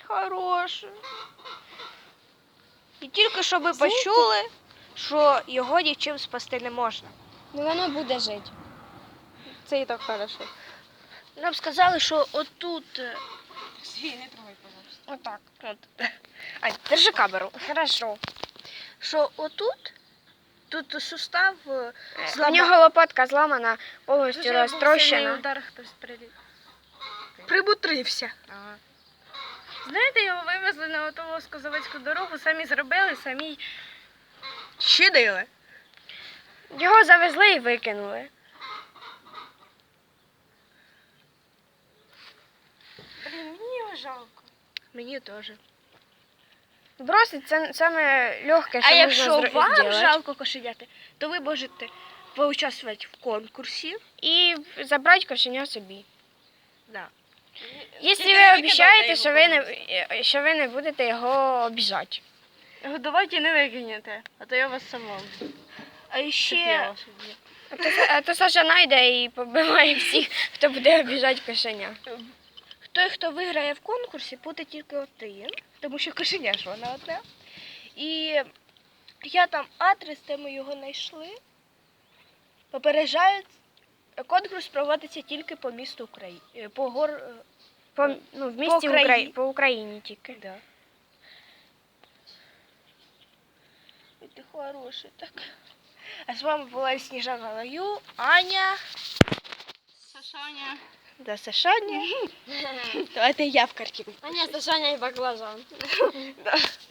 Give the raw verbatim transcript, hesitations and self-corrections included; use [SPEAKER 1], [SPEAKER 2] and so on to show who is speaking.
[SPEAKER 1] хороший. І тільки що ви почули, що його нічим спасти не можна.
[SPEAKER 2] Ну воно буде жити.
[SPEAKER 3] Це і так хорошо.
[SPEAKER 1] Нам сказали, що отут. е,
[SPEAKER 3] Свій, не трогай, пожалуйста.
[SPEAKER 1] Отак. От. Ань, держи камеру.
[SPEAKER 2] Хорошо.
[SPEAKER 1] Що отут, тут сустав е,
[SPEAKER 2] У
[SPEAKER 1] злама-
[SPEAKER 2] нього лопатка зламана, повністю
[SPEAKER 1] Дуже був сильний
[SPEAKER 2] розтрощена.
[SPEAKER 1] удар, хтось приліт. Прибутрився.
[SPEAKER 3] Ага.
[SPEAKER 1] Знаєте, його вивезли на оту Лоско-Заводську дорогу, самі зробили, самі щадили.
[SPEAKER 2] Його завезли і викинули.
[SPEAKER 1] Блін, мені його жалко. Мені теж.
[SPEAKER 2] Бросить це саме легке, що
[SPEAKER 1] А
[SPEAKER 2] можна
[SPEAKER 1] якщо
[SPEAKER 2] зро-
[SPEAKER 1] вам
[SPEAKER 2] зробити.
[SPEAKER 1] жалко кошеняти, то ви можете поучаствувати в конкурсі.
[SPEAKER 2] І забрати кошеня собі.
[SPEAKER 1] Да.
[SPEAKER 2] Якщо
[SPEAKER 3] Тільки
[SPEAKER 2] ви
[SPEAKER 3] не
[SPEAKER 2] обіцяєте,
[SPEAKER 3] викидайте
[SPEAKER 2] що
[SPEAKER 3] його,
[SPEAKER 2] ви не, що ви не будете його обіжати.
[SPEAKER 1] Годувати не викинете, а то я вас сама. А ще
[SPEAKER 2] А то, а то Саша найде і побиває всіх, хто буде обіжати кошеня.
[SPEAKER 1] той, хто виграє в конкурсі, буде тільки один, тому що кошеня ж вона одна. І я там адрес, де ми його знайшли. Попереджають, конкурс проводиться тільки по місту України. По гор...
[SPEAKER 2] По, ну, в місті
[SPEAKER 1] Україні.
[SPEAKER 2] Украї... по Україні тільки.
[SPEAKER 1] Да. І ти хороший, так. А з вами була Сніжана Лаю, Аня.
[SPEAKER 3] Сашаня.
[SPEAKER 1] Да, Сашаня. Давайте я в картину.
[SPEAKER 2] А ні, Сашаня і баклажан.
[SPEAKER 1] Да.